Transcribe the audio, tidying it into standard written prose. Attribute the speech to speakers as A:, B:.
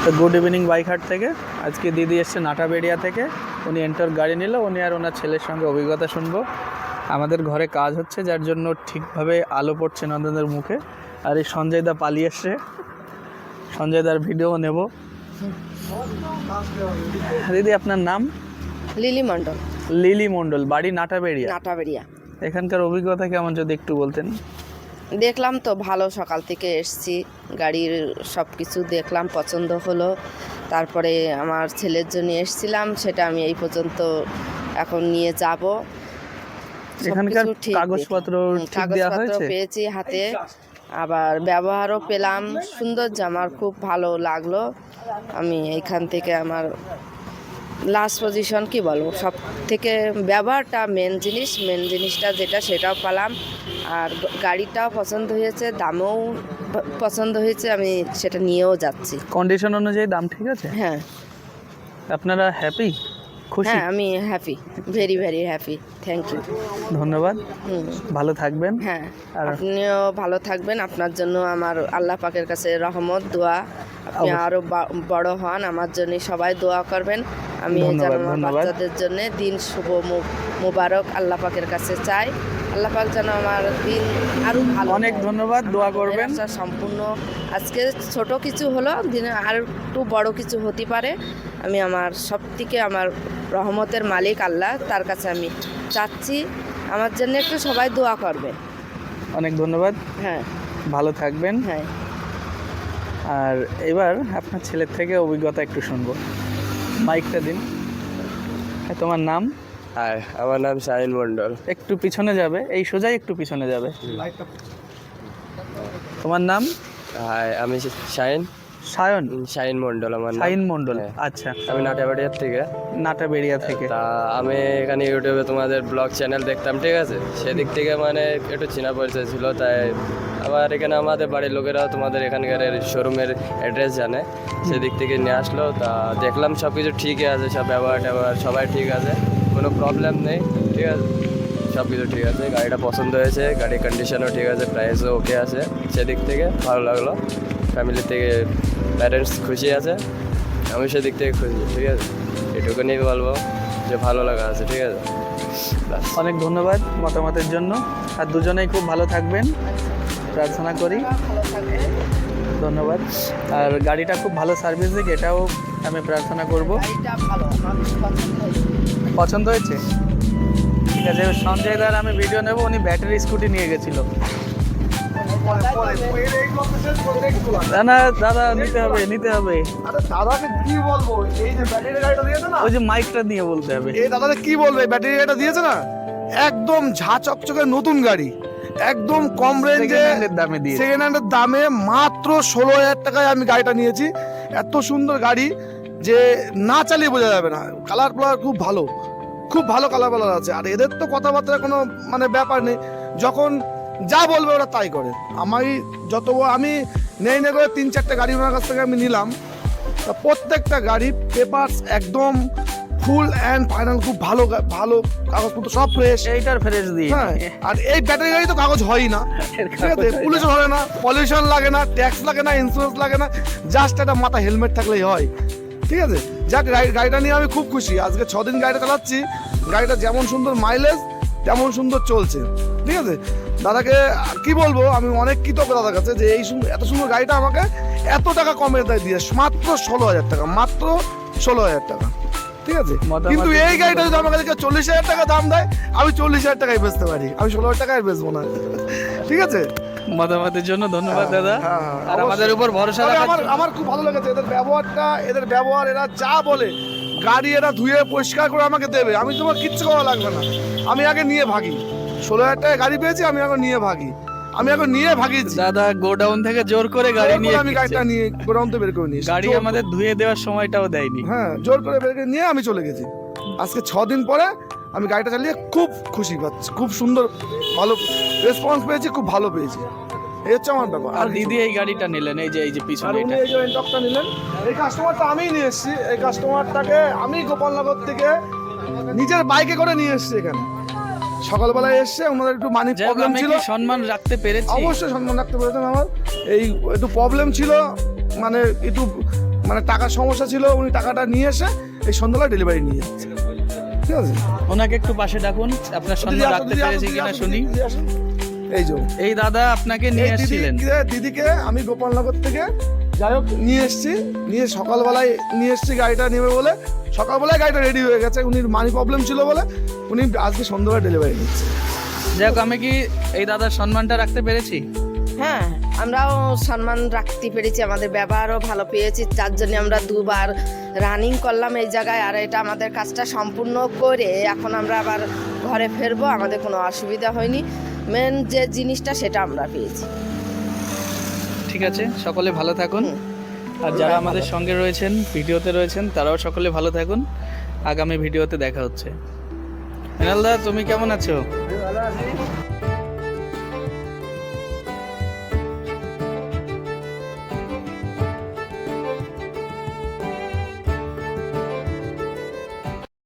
A: তো good evening বাইকহাট থেকে। আজকে দিদি এসছে নাটাবেড়িয়া থেকে। উনি এন্টার গাড়ি নিল, উনি আর ওনার ছেলের সঙ্গে অভিজ্ঞতা শুনবো। আমাদের ঘরে কাজ হচ্ছে, যার জন্য ঠিকভাবে আলো পড়ছে নন্দনের মুখে। আর এই সঞ্জয় দা পালিয়ে এসছে, সঞ্জয় দার ভিডিও নেব। দিদি আপনার নাম?
B: লিলি মণ্ডল।
A: লিলি মণ্ডল, বাড়ি নাটাবেড়িয়া।
B: নাটাবেড়িয়া।
A: এখানকার অভিজ্ঞতা কেমন যদি একটু বলতেন।
B: দেখলাম তো ভালো, সকাল থেকে এসছি, গাড়ির সব কিছু দেখলাম, পছন্দ হলো। তারপরে আমার ছেলের জন্য এসছিলাম, সেটা আমি এই পর্যন্ত এখন নিয়ে যাব।
A: এখানকার কাগজপত্র ঠিক দেওয়া হয়েছে?
B: পেয়েছি হাতে, আবার ব্যবহারও পেলাম সুন্দর, আমার খুব ভালো লাগলো। আমি এইখান থেকে আমার লাস্ট পজিশন কি বলবো, সব থেকে ব্যবহারটা মেন জিনিসটা যেটা, সেটাও পেলাম। আর গাড়িটাও পছন্দ হয়েছে, দামও পছন্দ হয়েছে, আমি সেটা নিয়েও যাচ্ছি।
A: কন্ডিশন অনুযায়ী দাম ঠিক আছে?
B: হ্যাঁ।
A: আপনারা হ্যাপি, খুশি?
B: হ্যাঁ, আমি happy, very very happy. Thank you,
A: ধন্যবাদ। ভালো থাকবেন।
B: হ্যাঁ, আপনিও ভালো থাকবেন। আপনার জন্য আমার আল্লাহ পাকের কাছে রহমত, দোয়া, আপনি আরও বড় হন। আমার জন্য সবাই দোয়া করবেন। আমি যেন আমার বাচ্চাদের জন্য দিন শুভ মুবারক আল্লাহ পাকের কাছে চাই। আল্লাহ পাক যেন আমার দিন আরও ভালো।
A: অনেক ধন্যবাদ, দোয়া করবেন।
B: সম্পূর্ণ আজকে ছোট কিছু হলো, দিনে আর একটু বড় কিছু হতে পারে। আমি আমার সব থেকে আমার রহমতের মালিক আল্লাহ, তার কাছে আমি চাচ্ছি আমার জন্য একটু সবাই দোয়া করবেন।
A: অনেক ধন্যবাদ।
B: হ্যাঁ,
A: ভালো থাকবেন।
B: হ্যাঁ।
A: আর এবার আপনার ছেলের থেকে অভিজ্ঞতা একটু শুনবো। মাইকটা দিন। তোমার নাম?
C: হাই, আমার নাম শাহিন মণ্ডল।
A: একটু পিছনে যাবে, এই সোজাই একটু পিছনে যাবে। তোমার নাম?
C: হাই, আমি শাহিন শাহিন মণ্ডল আমার নাম।
A: শাহিন মণ্ডল, আচ্ছা।
C: আমি নাটাবাড়িয়ার থেকে।
A: নাটাবেড়িয়া থেকে।
C: তা আমি এখানে ইউটিউবে তোমাদের ব্লগ চ্যানেল দেখতাম, ঠিক আছে? সেদিক থেকে মানে একটু চেনা পরিচয় ছিল, তাই আবার এখানে আমাদের বাড়ির লোকেরাও তোমাদের এখানকার শোরুমের অ্যাড্রেস জানে, সেদিক থেকে নিয়ে আসলো। তা দেখলাম সব কিছু ঠিকই আছে, সব ব্যবহার সবাই ঠিক আছে, কোনো প্রবলেম নেই, ঠিক আছে? সব কিছু ঠিক আছে, গাড়িটা পছন্দ হয়েছে, গাড়ির কন্ডিশনও ঠিক আছে, প্রাইসও ওকে আছে, সেদিক থেকে ভালো লাগলো। ফ্যামিলি থেকে প্যারেন্টস খুশি আছে, আমি সেদিক থেকে খুশি, ঠিক আছে? এটুকুনি বলবো যে ভালো লাগা আছে, ঠিক আছে?
A: অনেক ধন্যবাদ মতামতের জন্য। আর দুজনেই খুব ভালো থাকবেন প্রার্থনা করি। ধন্যবাদ। আর গাড়িটা খুব ভালো সার্ভিস দিক, এটাও আমি প্রার্থনা করব। পছন্দ হয়েছে? ঠিক আছে। সঞ্জয় দার আমি ভিডিও নেব, উনি ব্যাটারি স্কুটি নিয়ে গেছিল। না না দাদা, নিতে হবে।
D: দাদাকে কি বলবো, এই যে ব্যাটারি গাড়িটা দিয়েছে না,
A: ওই যে মাইকটা নিয়ে বলতে হবে।
D: এই দাদাকে কি বলবে, ব্যাটারি গাড়িটা দিয়েছে না, একদম ঝা চকচকে নতুন গাড়ি, একদম কম রেঞ্জে
A: দামে দিয়ে,
D: সেকেন্ড হ্যান্ডের দামে মাত্র 16,000 টাকায় আমি গাড়িটা নিয়েছি। এত সুন্দর গাড়ি যে না চালিয়ে বোঝা যাবে না। কালার খুব ভালো, খুব ভালো কালার আছে। আর এদের তো কথাবার্তার কোনো মানে ব্যাপার নেই, যখন যা বলবে ওরা তাই করে। আমি নেই করে 3-4টে গাড়ি ওনার কাছ থেকে আমি নিলাম, তা প্রত্যেকটা গাড়ি পেপারস একদম ফুল অ্যান্ড ফাইনাল, খুব ভালো কাগজপত্র সব ফ্রেশ।
A: এইটার ফ্রেশ দিয়ে।
D: হ্যাঁ, আর এই ব্যাটারি গাড়ি তো কাগজ হয়ই না, ঠিক আছে? পুলিশ ধরে না, পলিউশন লাগে না, ট্যাক্স লাগে না, ইন্স্যুরেন্স লাগে না, জাস্ট একটা মাথা হেলমেট থাকলেই হয়, ঠিক আছে? যাক, গাড়িটা নিয়ে আমি খুব খুশি। আজকে 6 দিন গাড়িটা চালাচ্ছি, গাড়িটা যেমন সুন্দর মাইলেজ তেমন সুন্দর চলছে, ঠিক আছে? দাদাকে কি বলবো, আমি অনেক কৃতজ্ঞ দাদার কাছে যে এই এত সুন্দর গাড়িটা আমাকে এত টাকা কমে দিয়ে, মাত্র 16,000 টাকা, মাত্র 16,000 টাকা, ঠিক আছে? কিন্তু এই গাড়িটা যদি আমার কাছে 40,000 টাকা দাম দেয়, আমি 40,000 টাকায় বেচতে পারি, আমি 16,000 টাকায় বেচবো না, ঠিক আছে?
A: মতামতের জন্য ধন্যবাদ দাদা। আর আমাদের উপর ভরসা রাখার
D: আমার খুব ভালো লেগেছে এদের ব্যবহার, এরা যা বলে গাড়ি এরা ধুয়ে পরিষ্কার করে আমাকে দেবে, আমি তোমার কিচ্ছু করা লাগবে না, আমি আগে নিয়ে ভাগি। 16,000 টাকায় গাড়ি পেয়েছি, আমি এখন নিয়ে ভাগি।
A: দাদা গোডাউন থেকে জোর করে গাড়ি নিয়ে,
D: আমি গাড়িটা নিয়ে গোডাউন থেকে বের করে নিয়ে
A: গাড়ি আমাদের ধুয়ে দেওয়ার সময়টাও দেয়নি।
D: হ্যাঁ, জোর করে বের করে নিয়ে আমি চলে গেছি। আজকে 6 দিন পরে আমি গাড়িটা চালিয়ে খুব খুশি পাচ্ছি, খুব সুন্দর ভালো রেসপন্স পেয়েছি, খুব ভালো পেয়েছি। এই হচ্ছে আমার ব্যাপার।
A: আর দিদি এই গাড়িটা নিলেন, এই যে পিছনে
D: উনি এই যে এন্টকটা নিলেন, এই কাস্টমারটা আমিই নিয়ে এসেছি। এই কাস্টমারটাকে আমি গোপালনগর থেকে নিজের বাইকে করে নিয়ে এসেছি এখানে। সকালবেলায় এসছে, ওনাদের একটু মানি প্রবলেম ছিল,
A: সম্মান রাখতে পেরেছি।
D: অবশ্যই সম্মান রাখতে পেরেছেন। আমার এই একটু প্রবলেম ছিল, মানে একটু মানে টাকার সমস্যা ছিল, উনি টাকাটা নিয়ে এসে এই সন্ধ্যাবেলা ডেলিভারি নিয়ে যাচ্ছে, ঠিক আছে।
A: ওনাকে একটু পাশে ডাকুন, আপনার সম্মান রাখতে পেরেছি কিনা শুনি।
D: এই যে
A: এই দাদা আপনাকে নিয়ে এসেছিলেন।
D: দিদিকে আমি গোপালনগর থেকে যাই হোক নিয়ে এসেছি, নিয়ে সকালবেলায় নিয়ে এসেছি গাড়িটা নেবে বলে। সকালবেলায় গাড়িটা রেডি হয়ে গেছে, উনি মানি প্রবলেম ছিল বলে উনি আজকে সন্ধ্যাবেলা ডেলিভারি নিচ্ছে।
A: যাই হোক, আমি কি এই দাদার সম্মানটা রাখতে পেরেছি?
B: হ্যাঁ, আমরাও সম্মান রাখতে পেরেছি, আমাদের ব্যবহারও ভালো পেয়েছি, যার জন্য আমরা 2 বার রানিং করলাম এই জায়গায়। আর এটা আমাদের কাজটা সম্পূর্ণ করে এখন আমরা আবার ঘরে ফিরবো, আমাদের কোনো অসুবিধা হয়নি। মেন যে জিনিসটা সেটা আমরা পেয়েছি।
A: ঠিক আছে, সকলে ভালো থাকুন। আর যারা আমাদের সঙ্গে রয়েছেন, ভিডিওতে রয়েছেন, তারাও সকলে ভালো থাকুন। আগামী ভিডিওতে দেখা হচ্ছে। মৃণাল দা, তুমি কেমন আছো?
C: ভালো আছি।